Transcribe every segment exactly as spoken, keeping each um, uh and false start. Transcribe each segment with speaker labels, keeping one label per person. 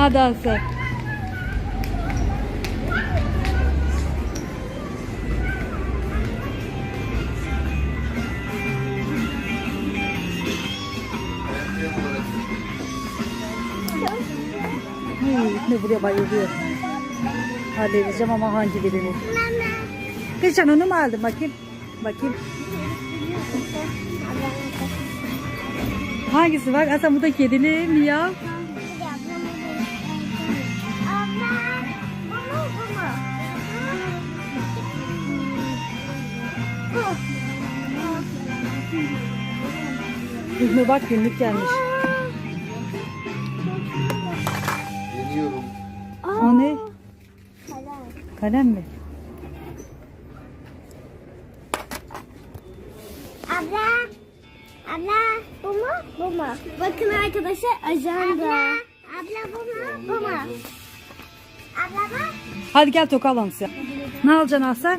Speaker 1: Hadi Asel. Ne buraya bayılıyor. Halledeceğim ama hangi birini? Geçen onu mu aldın? Bakayım. Bakayım. Hangisi var? Aslında bu da kedili mi ya? İlmi bak günlük gelmiş.
Speaker 2: Deniyorum.
Speaker 1: O ne? Kalem mi?
Speaker 3: Abla. Abla bu mu? Bu mu? Bakın arkadaşlar ajanda. Abla. Abla bu mu? Bu mu? Abla bak.
Speaker 1: Hadi gel toka alalım size. Ne alacaksın Asel?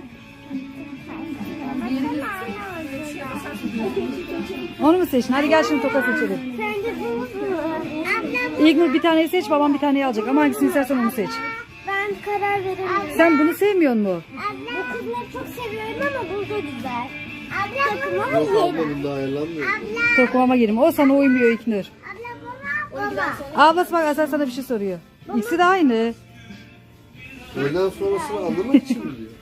Speaker 1: Onu mu seçtin? Hadi gel şimdi toka seçelim.
Speaker 3: Sence bu mu? Abla bu.
Speaker 1: İlknur bir taneyi seç, babam bir taneyi alacak. Ama hangisini istersen onu seç.
Speaker 3: Ben karar veremiyorum.
Speaker 1: Sen bunu sevmiyor musun?
Speaker 3: Abla bu kızları çok seviyorum ama bu da güzel. Abla takıma mı
Speaker 2: Yok
Speaker 3: yiyelim?
Speaker 2: ablanın daha ayarlanmıyor.
Speaker 3: Abla.
Speaker 1: Tokumama girim. O sana uymuyor İlknur.
Speaker 3: Abla baba. Baba.
Speaker 1: Ablası bak Asel sana bir şey soruyor. İkisi de aynı.
Speaker 2: Öğleden sonrasını anlamak için mi diyor?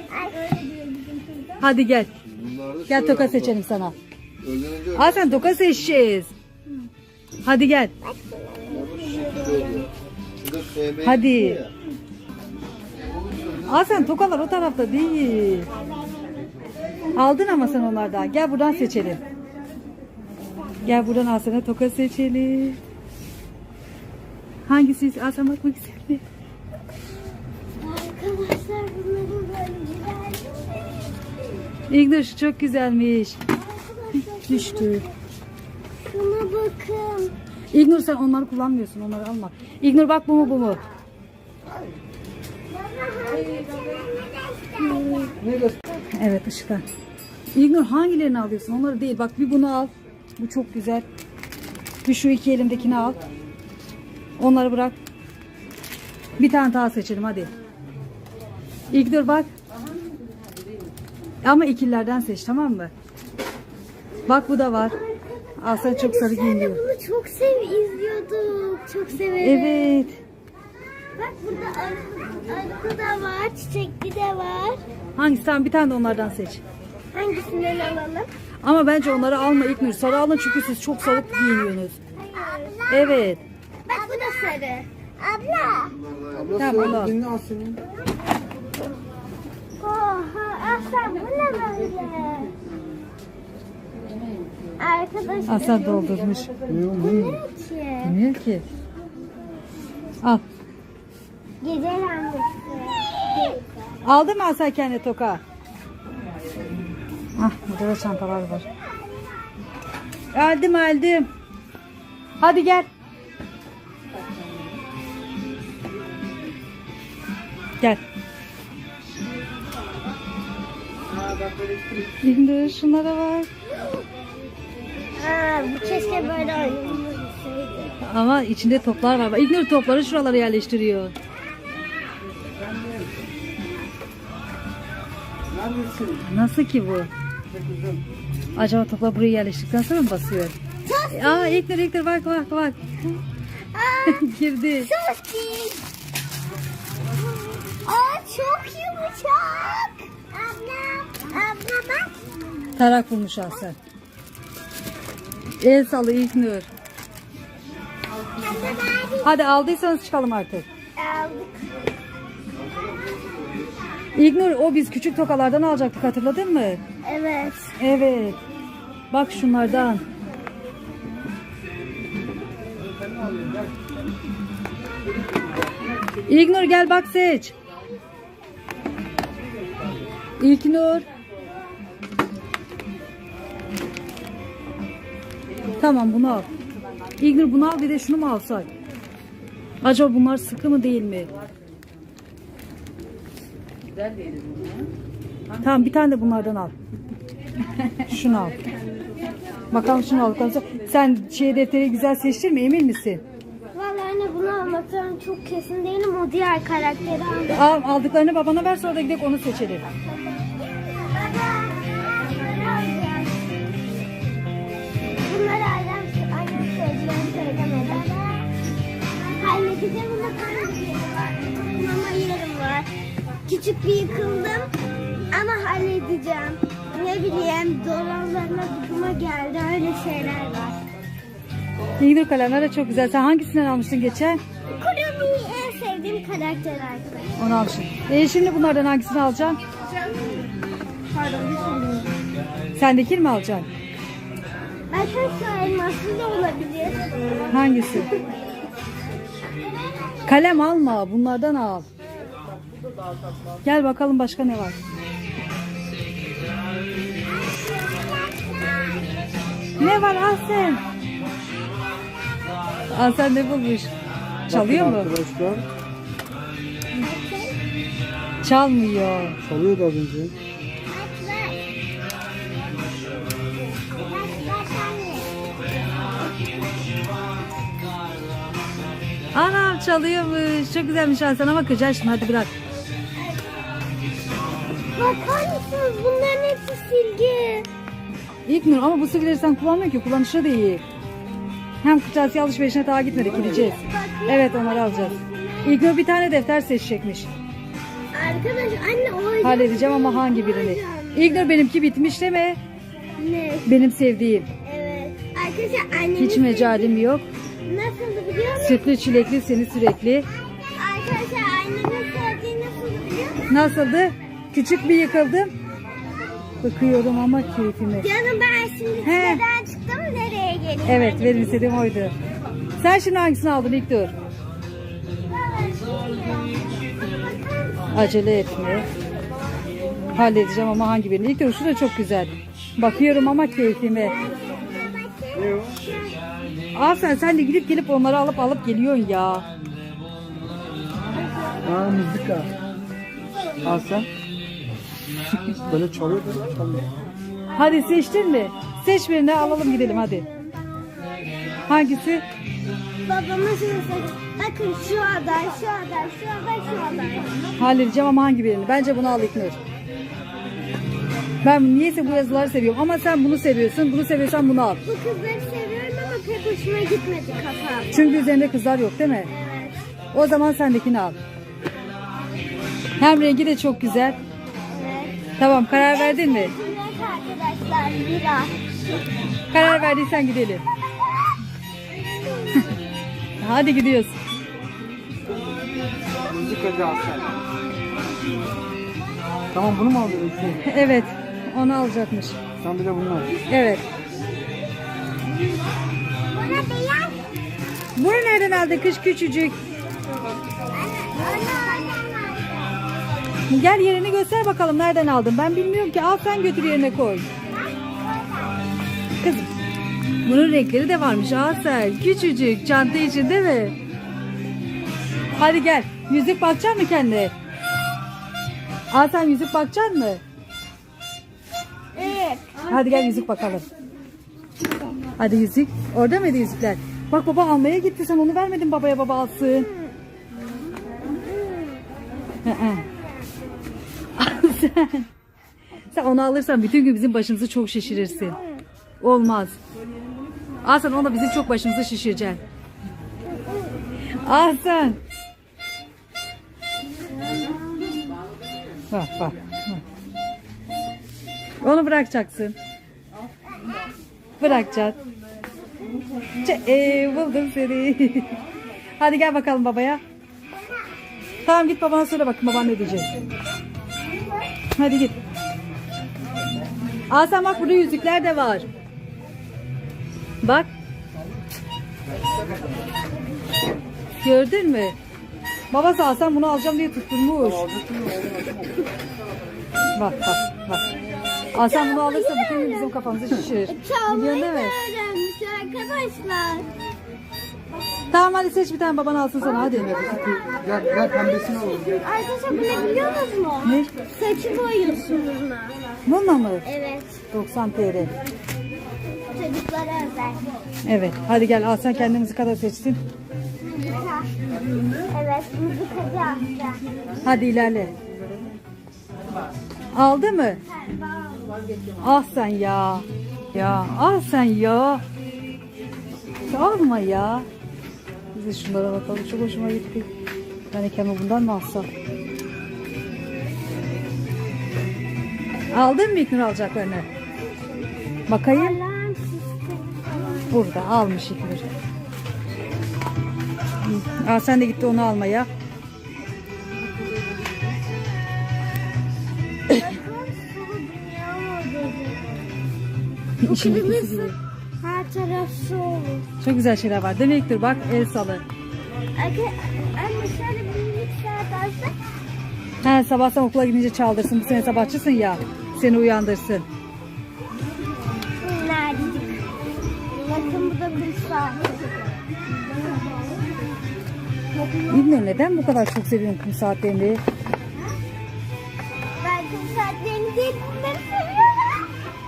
Speaker 1: Hadi gel.
Speaker 2: Bunlar da
Speaker 1: Gel
Speaker 2: şöyle
Speaker 1: toka
Speaker 2: abla.
Speaker 1: seçelim sana.
Speaker 2: Öğleden önce öyle
Speaker 1: Aa sen toka seçeceğiz. Hadi gel.
Speaker 2: oluyor. Bir de F B
Speaker 1: Hadi.
Speaker 2: ya.
Speaker 1: Aa sen tokalar o tarafta değil. Aldın ama sen onlardan. Gel buradan seçelim. Gel buradan Asen'e toka seçelim. Hangisi? Asen bak bak güzel.
Speaker 3: Arkadaşlar bunların böyle güzel.
Speaker 1: İlknur şu çok güzelmiş. Düştü.
Speaker 3: Şuna bakın.
Speaker 1: İlknur sen onları kullanmıyorsun. Onları alma. İlknur bak bu mu bu mu? Evet ışıklar. İlknur hangilerini alıyorsun? Onları değil. Bak bir bunu al. Bu çok güzel. Bir şu iki elimdekini al. Onları bırak. Bir tane daha seçelim hadi. İlknur bak. Ama ikililerden seç tamam mı? Bak bu da var. Aslan çok sarı
Speaker 3: Biz
Speaker 1: giyiniyor.
Speaker 3: bunu çok sev izliyorduk. Çok severim.
Speaker 1: Evet.
Speaker 3: Bak burada arı da var, çiçekli de var.
Speaker 1: Hangisi? Tamam bir tane de onlardan seç.
Speaker 3: Hangisinden alalım?
Speaker 1: Ama bence onları alma İlknur. Sarı alın çünkü siz çok sarı giyiniyorsunuz.
Speaker 3: Abla.
Speaker 1: Evet.
Speaker 3: Bak bu da sarı. Abla.
Speaker 2: Abla
Speaker 1: Tamam,
Speaker 2: söyle
Speaker 1: al.
Speaker 2: dinle al senin.
Speaker 3: Oha Aslan bu ne böyle? Arkadaşlar.
Speaker 1: Aslan doldurmuş.
Speaker 3: Bu ne ki?
Speaker 1: Bilmiyor ki. Al.
Speaker 3: Gece lambası.
Speaker 1: Aldın mı Aslan kendine toka? Ah burada da çantalar var. Aldım aldım. Hadi gel. Gel. İndir şunlara var.
Speaker 3: Aa, bu keşke böyle oynanmasaydı.
Speaker 1: Ama içinde toplar var. İgnur topları şuralara yerleştiriyor. Nasıl ki bu? Acaba toplar buraya yerleştirdikten sonra mı basıyor? Aa İgnur İgnur bak bak bak.
Speaker 3: Aa,
Speaker 1: Girdi.
Speaker 3: çok iyi. Aa, çok yumuşak. Abla, abla bak.
Speaker 1: Tarak bulmuş Aslan. El salı İgnur.
Speaker 3: Abla bari
Speaker 1: Hadi aldıysanız çıkalım artık.
Speaker 3: aldık.
Speaker 1: İgnur o biz küçük tokalardan alacaktık hatırladın mı?
Speaker 3: Evet.
Speaker 1: Evet. Bak şunlardan. İlknur gel bak seç. İlknur. Tamam bunu al. İlknur bunu al bir de şunu mu alsak? Acaba bunlar sıkı mı değil mi? Tamam bir tane de bunlardan al. Şunu al. Bakalım şunu al. Sen şey defteri güzel seçtin mi emin misin?
Speaker 3: Vallahi anne bunu almak almaktan çok kesin değilim. O diğer karakteri aldım.
Speaker 1: Al, aldıklarını babana ver, sonra da gidelim onu seçelim.
Speaker 3: Bunları annem, annem söyleyeceğim söylemedi. Halledeceğim ama mama yerim var. Küçük bir yıkıldım ama halledeceğim. Ne bileyim dolanlarına bıkıma geldi, öyle şeyler var.
Speaker 1: İlginç kalemler de çok güzel. Sen hangisinden almıştın geçen?
Speaker 3: Kurumi'yi en sevdiğim karakter arkadaşlar.
Speaker 1: Onu almışsın. E şimdi bunlardan hangisini alacaksın?
Speaker 3: Pardon bir söyleyeyim.
Speaker 1: Sendekini mi alacaksın?
Speaker 3: Arkadaşlar elmaslı da olabilir.
Speaker 1: Hangisi? Kalem alma. Bunlardan al. Gel bakalım başka ne var? Ne var Ahsen? Ahsen ne bulmuş? Çalıyor mu?
Speaker 2: Arkadaşlar
Speaker 1: Çalmıyor.
Speaker 2: çalıyordu az önce.
Speaker 1: Anam çalıyormuş. Çok güzelmiş Ahsen ama kıracaksın şimdi, hadi bırak.
Speaker 3: Bakar mısınız? Bunların hepsi silgi.
Speaker 1: İlknur ama bu silgileri sen kullanmıyorsun ki, kullanışlı değil. Hem kırtasiye alışverişine daha gitmedik, gideceğiz. Evet, onları alacağız. İlknur bir tane defter seçecekmiş.
Speaker 3: Arkadaş anne o
Speaker 1: Halledeceğim ama hangi birini? İlknur benimki bitmiş deme.
Speaker 3: Ne?
Speaker 1: Benim sevdiğim.
Speaker 3: Evet. Arkadaşlar annemin
Speaker 1: Hiç mecalim yok.
Speaker 3: nasıldı biliyor musun?
Speaker 1: Sütlü çilekli seni sürekli.
Speaker 3: Arkadaşlar annemin sevdiği nasıldı biliyor musun?
Speaker 1: Nasıldı? Küçük bir yıkıldım. Bakıyorum ama keyfime.
Speaker 3: Canım ben şimdi
Speaker 1: He.
Speaker 3: siteden çıktım, nereye geliyorum?
Speaker 1: Evet, benim istediğim oydu. Sen şimdi hangisini aldın İlknur? Acele etme. Halledeceğim ama hangi birini? İlknur şu da çok güzel. Bakıyorum ama keyfime. Aferin, sen de gidip gelip onları alıp alıp geliyorsun ya.
Speaker 2: Aa, mızıka. Al sen. Böyle çalıyor böyle çalıyor.
Speaker 1: Hadi seçtin mi? Seç birini, alalım gidelim hadi. Hangisi?
Speaker 3: Babama şimdi söyledi. Bakın şu aday, şu aday, şu aday, şu aday.
Speaker 1: Halledeceğim ama hangi birini? Bence bunu al İlknur. Ben niyeyse bu yazıları seviyorum ama sen bunu seviyorsun. Bunu seviyorsan bunu al.
Speaker 3: Bu kızları seviyorum ama pek hoşuma gitmedi kafam.
Speaker 1: Çünkü üzerinde kızlar yok değil mi?
Speaker 3: Evet.
Speaker 1: O zaman sendekini al. Hem rengi de çok güzel.
Speaker 3: Evet.
Speaker 1: Tamam, karar verdin mi?
Speaker 3: Evet arkadaşlar, bira.
Speaker 1: Karar verdiysen gidelim. Hadi gidiyoruz.
Speaker 2: Mızıkacı al sen. Tamam, bunu mu alıyorsun?
Speaker 1: Evet, onu alacakmış.
Speaker 2: Sen bir de bunu al.
Speaker 1: Evet.
Speaker 3: Buna beyaz.
Speaker 1: Bunu nereden aldın kız küçücük? Gel yerini göster bakalım, nereden aldın? Ben bilmiyorum ki. Al sen, götür yerine koy. Kızım, bunun renkleri de varmış. Al sen, küçücük çanta için değil mi? Hadi gel. Yüzük bakacak mı kendine? Al sen, yüzük bakacak mı?
Speaker 3: Evet.
Speaker 1: Hadi gel yüzük bakalım. Hadi yüzük. Orada mıydı yüzükler? Bak baba almaya gitti. Sen onu vermedin babaya, baba alsın. Hı hı. sen, sen onu alırsan bütün gün bizim başımızı çok şişirirsin. Olmaz. Al sen, onu bizim çok başımızı şişireceksin. Al sen. Bak bak. bak. Onu bırakacaksın. Bırakacaksın. Ç- ee, buldum seni. Hadi gel bakalım babaya. Tamam, git babana söyle bakın baban ne diyecek. Hadi git. Aa sen bak, burada yüzükler de var. Bak. Gördün mü? Babası Hasan bunu alacağım diye tutturmuş. Bak bak bak. Hasan bunu alırsa bütün gün bizim kafamızı şişirir.
Speaker 3: Çalmayı
Speaker 1: Biliyorsun değil mi?
Speaker 3: öğrenmiş arkadaşlar.
Speaker 1: Tamam, hadi seç bir tane, baban alsın sana, hadi.
Speaker 2: Gel, gel pembesini alalım. Gel.
Speaker 3: Arkadaşlar bu ne biliyor musunuz?
Speaker 1: Ne?
Speaker 3: Saçı boyuyorsun bununla.
Speaker 1: Bununla mı?
Speaker 3: Evet.
Speaker 1: doksan T L.
Speaker 3: Çocuklara özel.
Speaker 1: Evet, hadi gel, al sen kendimizi kadar seçsin.
Speaker 3: Harika. Evet, müzikacı amca.
Speaker 1: Hadi ilerle. Aldı mı? Ah sen ya. Ya ah sen ya. Alma ya. Biz de şunlara bakalım. Çok hoşuma gitti. Ben Kemal bundan mı alsam? Aldın mı İlknur alacaklarını? Bakayım.
Speaker 3: Alarm sistemi falan.
Speaker 1: Burada almış İlknur. Aa, sen de gitti onu almaya.
Speaker 3: Bakın sulu dünya modeli. Bu
Speaker 1: İşin ikisi
Speaker 3: kırmızı.
Speaker 1: gibi.
Speaker 3: Her taraf su olur.
Speaker 1: Çok güzel şeyler var. Değil mi İlknur? Bak el salı.
Speaker 3: Anne, anne şöyle bir minik saat alsak.
Speaker 1: Ha, sabah sen okula gidince çaldırsın. Bu sene sabahçısın ya. Seni uyandırsın.
Speaker 3: Neredeydik? Bakın bu da kum saati.
Speaker 1: İlknur neden bu kadar çok seviyorsun kum saatlerini?
Speaker 3: Ben kum saatlerini değil bunları seviyorum.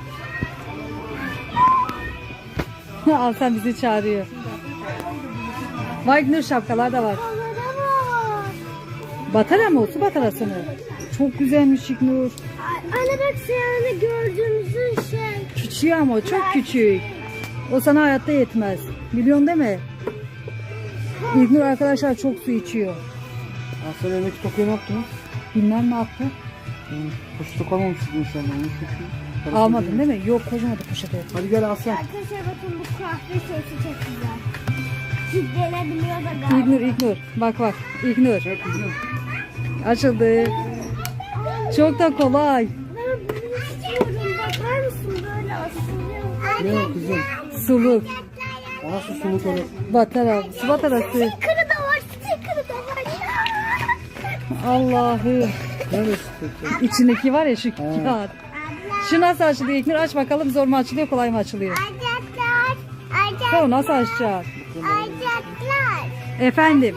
Speaker 1: Al sen bizi çağırıyor. Vay İlknur şapkalar da var.
Speaker 3: Onlara bak.
Speaker 1: Batara mı o? Su batarası mı? Çok güzelmiş İlknur.
Speaker 3: Ay, anne bak seyahane gördüğümüzün şey.
Speaker 1: Küçük ama o çok küçük. O sana hayatta yetmez. Biliyorsun değil mi? İlknur arkadaşlar çok su içiyor.
Speaker 2: Sen elindeki tokuyu ne yaptın?
Speaker 1: Bilmem ne yaptı.
Speaker 2: Poşete koymamışsın inşallah. Onu çünkü.
Speaker 1: Almadın değil mi? Yok koymadı poşete.
Speaker 2: Hadi gel Aslan.
Speaker 3: Arkadaşlar bakın bu kahve sesi çok güzel. Kilitlenebiliyor da galiba.
Speaker 1: İlknur İlknur. Bak bak İlknur.
Speaker 2: Gel kızım.
Speaker 1: Açıldı. Çok da kolay.
Speaker 3: Ben bunu istiyorum. Bakar mısın böyle asılıyor.
Speaker 2: Ne kızım?
Speaker 1: Suluk.
Speaker 2: Bana su suluk olur.
Speaker 1: Batara. Su batarası.
Speaker 3: Sticker'ı da var. Sticker'ı da var.
Speaker 1: Allah'ım.
Speaker 2: Neresi peki?
Speaker 1: İçindeki var ya şu kağıt. Şu nasıl açılıyor İlknur? Aç bakalım, zor mu açılıyor kolay mı açılıyor?
Speaker 3: Ayacaklar. Ayacaklar.
Speaker 1: Tamam, nasıl açacağız?
Speaker 3: Ayacaklar.
Speaker 1: Efendim.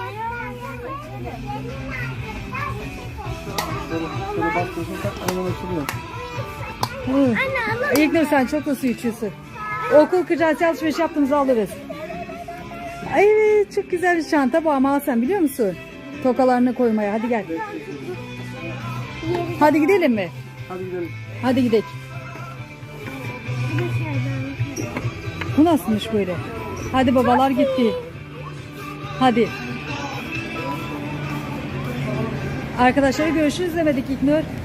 Speaker 2: Şöyle, şöyle bastırırsan tak hemen açılıyor.
Speaker 1: Hı.
Speaker 3: Anne alalım.
Speaker 1: İlknur sen çok da su içiyorsun. Okul kırtasiye alışveriş yaptığımızda alırız. Evet, çok güzel bir çanta bu ama al sen biliyor musun? Tokalarını koymaya. Hadi gel. Hadi gidelim mi?
Speaker 2: Hadi gidelim.
Speaker 1: Hadi gidelim. Bu nasılmış böyle? Hadi babalar gitti. Hadi. Arkadaşlar görüşürüz demedik İlknur.